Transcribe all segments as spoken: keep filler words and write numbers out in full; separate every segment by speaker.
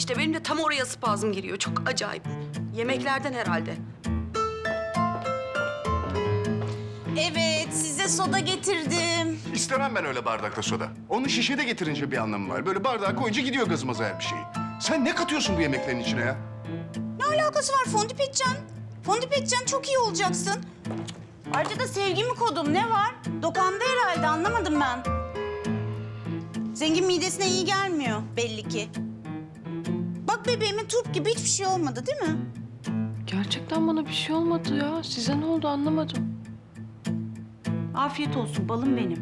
Speaker 1: işte benim de tam oraya spazm giriyor. Çok acayip. Yemeklerden herhalde.
Speaker 2: Evet, size soda getirdim.
Speaker 3: İstemem ben öyle bardakta soda. Onu şişede getirince bir anlamı var. Böyle bardağa koyunca gidiyor gazımıza her bir şeyi. Sen ne katıyorsun bu yemeklerin içine ya?
Speaker 2: Ne alakası var? Fondip edeceksin. Fondip edeceksin, çok iyi olacaksın. Ayrıca da sevgimi kodum. Ne var? Dokandı herhalde, anlamadım ben. Zengin midesine iyi gelmiyor belli ki. Bak bebeğimin turp gibi hiçbir şey olmadı değil mi?
Speaker 4: Gerçekten bana bir şey olmadı ya. Size ne oldu anlamadım.
Speaker 2: Afiyet olsun balım benim.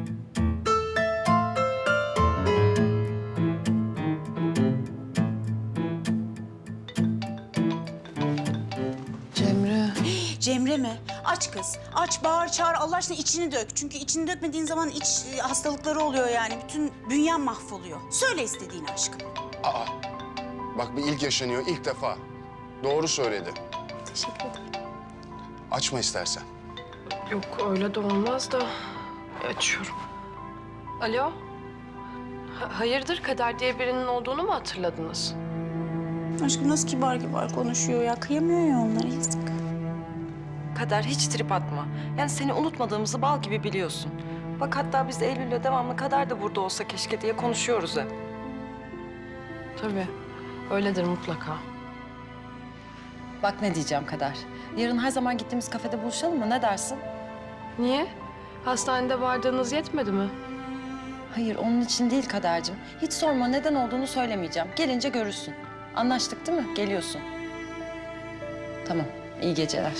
Speaker 4: Cemre.
Speaker 2: Cemre mi? Aç kız. Aç, bağır, çağır. Allah aşkına içini dök. Çünkü içini dökmediğin zaman iç e, hastalıkları oluyor yani. Bütün bünyen mahvoluyor. Söyle istediğini aşkım.
Speaker 3: Aa, bak bir ilk yaşanıyor ilk defa. Doğru söyledi.
Speaker 4: Teşekkür ederim.
Speaker 3: Açma istersen.
Speaker 4: Yok öyle de olmaz da. Açıyorum. Alo. Ha- hayırdır Kader diye birinin olduğunu mu hatırladınız?
Speaker 2: Aşkım nasıl kibar kibar konuşuyor ya. Kıyamıyor ya onlara, yazık.
Speaker 5: Kader hiç trip atma. Yani seni unutmadığımızı bal gibi biliyorsun. Bak hatta biz Eylül'le devamlı Kader de burada olsa keşke diye konuşuyoruz hep.
Speaker 4: Tabii. Öyledir mutlaka.
Speaker 5: Bak ne diyeceğim Kader. Yarın her zaman gittiğimiz kafede buluşalım mı? Ne dersin?
Speaker 4: Niye? Hastanede vardığınız yetmedi mi?
Speaker 5: Hayır onun için değil Kader'cim. Hiç sorma neden olduğunu söylemeyeceğim. Gelince görürsün. Anlaştık değil mi? Geliyorsun. Tamam. İyi geceler.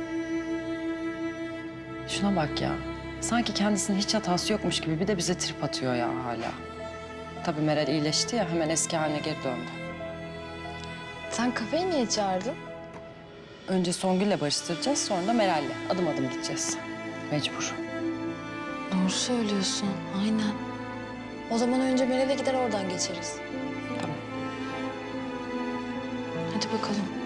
Speaker 5: Şuna bak ya. Sanki kendisinin hiç hatası yokmuş gibi bir de bize trip atıyor ya hala. Tabii Meral iyileşti ya hemen eski haline geri döndü.
Speaker 4: Sen kafeye niye çağırdın?
Speaker 5: Önce Songül'le barıştıracağız sonra da Meral'le adım adım gideceğiz. Mecbur.
Speaker 6: Doğru söylüyorsun, aynen. O zaman önce Meral'e gider oradan geçeriz.
Speaker 5: Tamam.
Speaker 6: Hadi bakalım.